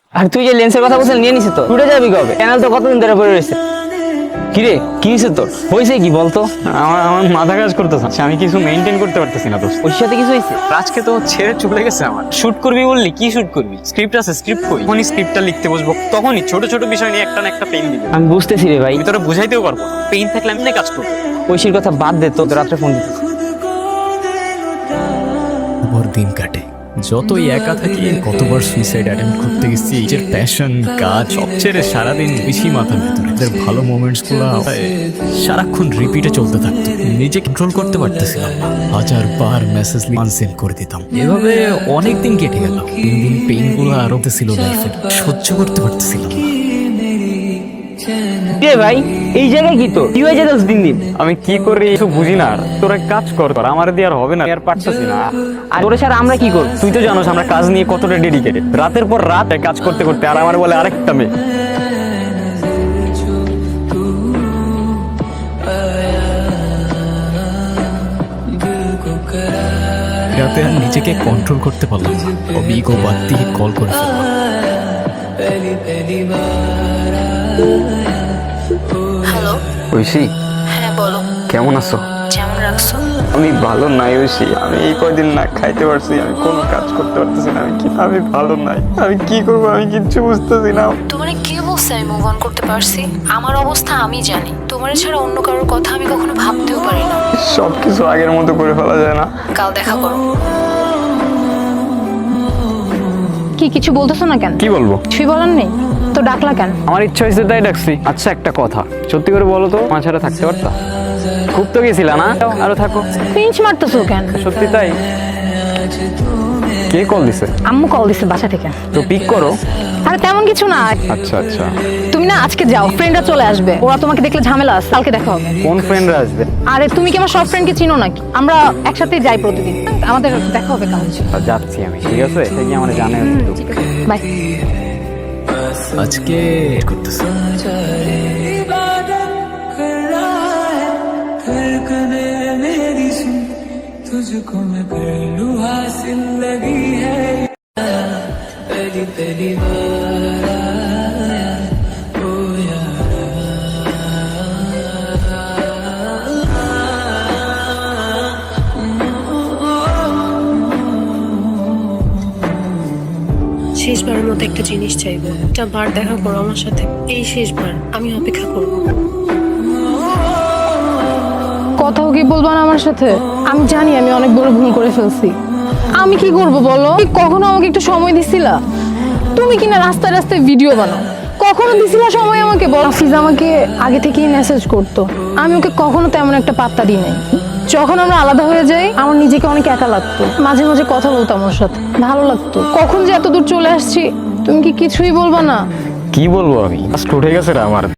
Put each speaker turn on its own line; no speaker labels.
আর তুই যে লেন্সের কথা বলছিস নিয়ে নিছিস তো টুটে যাবি কবে? চ্যানেল তো কতদিন ধরে পড়ে রয়েছে। কিরে কি হয়েছে তোর? হয়েছে কি বলতো?
আমার মাথা কাজ করতেছে, আমি কিছু মেনটেন করতে পারতেছি না দোস্ত।
ওর সাথে কিছু হয়েছে?
আজকে তো ছেড়ে চলে গেছে আমার। শুট করবি বললি, কি শুট করবি? স্ক্রিপ্ট আছে, স্ক্রিপ্ট কই? যখনই স্ক্রিপ্টটা লিখতে বসবো তখনই ছোট ছোট বিষয় নিয়ে একটা না একটা পেইন দিবে।
আমি বুঝতেছি রে ভাই,
আমি তোরা বুঝাইতেও পারবো না। পেইন থাকলে আমি না কাজ করবো।
ঐশীর কথা বাদ দে, তো রাত্রে ফোন দিতে
ভোর দিন কাটে, যতই একা থাকি কতবার সুইসাইড অ্যাটেম্প করতে গেছি। নিজের প্যাশন কাজ সব ছেড়ে সারাদিন বেশি মাথার ভিতরে এদের ভালো মোমেন্টস গুলো সারাক্ষণ রিপিটে চলতে থাকতো। নিজে কন্ট্রোল করতে পারতেছিলাম না, হাজার বার মেসেজ আনসেন্ড করে দিতাম। এভাবে অনেক দিন কেটে গেল। দিন দিন পেইন গুলো আরো ছিল লাইফে, সহ্য করতে পারতেছিলাম না।
রে ভাই, এই জায়গায় কি তো কি হয়ে যেত দিন দিন?
আমি কি করি কিছু বুঝি না। আর তোরা কাজ কর, আমার দিয়ে আর হবে না, আর পারতেছি না।
আর ওরে ছাড়া আমরা কি করব?
তুই তো জানোস আমরা কাজ নিয়ে কতটা ডেডিকেটেড। রাতের পর রাত কাজ করতে করতে আর আমার বলে আরেকটা মেয়ে।
রাতে আর নিজেকে কন্ট্রোল করতে পারলাম না, ইগো বাদ দিয়ে কল করে ফেললাম।
হ্যালো।
ঐশী,
হ্যাঁ বলো।
কেমন আছো?
যেমন রাখছো।
আমি ভালো নাই ঐশী। আমি এই কয়দিন না খাইতে পারছি, আমি কোনো কাজ করতে পারতেছি না। আমি ভালো নাই। আমি কি করবো আমি কিচ্ছু বুঝতেছি না।
তোমারে কে বলছে আমি মুভ অন করতে পারছি? আমার অবস্থা আমি জানি। তোমার ছাড়া অন্য কারোর কথা আমি কখনো ভাবতেও পারি না।
সবকিছু আগের মতো করে ফেলা যায় না।
কাল দেখা করো।
কি কিছু বলতেছো না কেন?
কি বলবো?
কিছুই বলার নেই তো ডাকলা কেন?
আমার ইচ্ছা হয়েছে তাই ডাকছি। আচ্ছা একটা কথা, সত্যি করে বলো তো, আমার ছাড়া থাকতে পারতা? খুব তো গেছিলা না, আরো থাকো।
পিঞ্চ মারতেছো কেন?
সত্যি তাই? কে কল দিছে?
আম্মু কল দিছে বাসা থেকে।
তো পিক করো।
আরে তেমন কিছু না।
আচ্ছা আচ্ছা।
তুমি না আজকে যাও, ফ্রেন্ডরা চলে আসবে, ওরা তোমাকে দেখলে ঝামেলা আছে, কালকে দেখা হবে।
কোন ফ্রেন্ডরা আসবে?
আরে তুমি কি আমার সব ফ্রেন্ডকে চিনো নাকি? আমরা একসাথে যাই প্রতিদিন, আমাদের দেখা হবে কাল।
যাচ্ছি আমি, ঠিক আছে? সে কি আমার জানে একটু।
বাই।
আজকে করতেছি
तुझको मैं पहलू हासिल लगी है पहली पहली बार आया ओ
শেষবারের মতো একটা জিনিস চাইবো, একটা বার দেখা করো আমার সাথে। এই শেষবার আমি অপেক্ষা করবো।
কথাও কি বলবা না আমার সাথে? আমি জানি আমি অনেক বড় ভুল করে ফেলছি। আমি কি করব বলো? কখনো আমাকে একটু সময় দিছিলা? তুমি কিনা রাস্তায় রাস্তায় ভিডিও বানাও, কখনো দিছিলা সময় আমাকে? বল, হাফিজ আমাকে আগে থেকেই মেসেজ করতো, আমি ওকে কখনো তেমন একটা পাত্তা দিই নাই। যখন আমরা আলাদা হয়ে যাই আমার নিজেকে অনেক একা লাগতো, মাঝে মাঝে কথা বলতাম ওর সাথে, ভালো লাগতো। কখন যে এত দূর চলে আসছি, তুমি কি কিছুই বলবা না?
কি বলবো আমি? আজ উঠে গেছে রে আমার।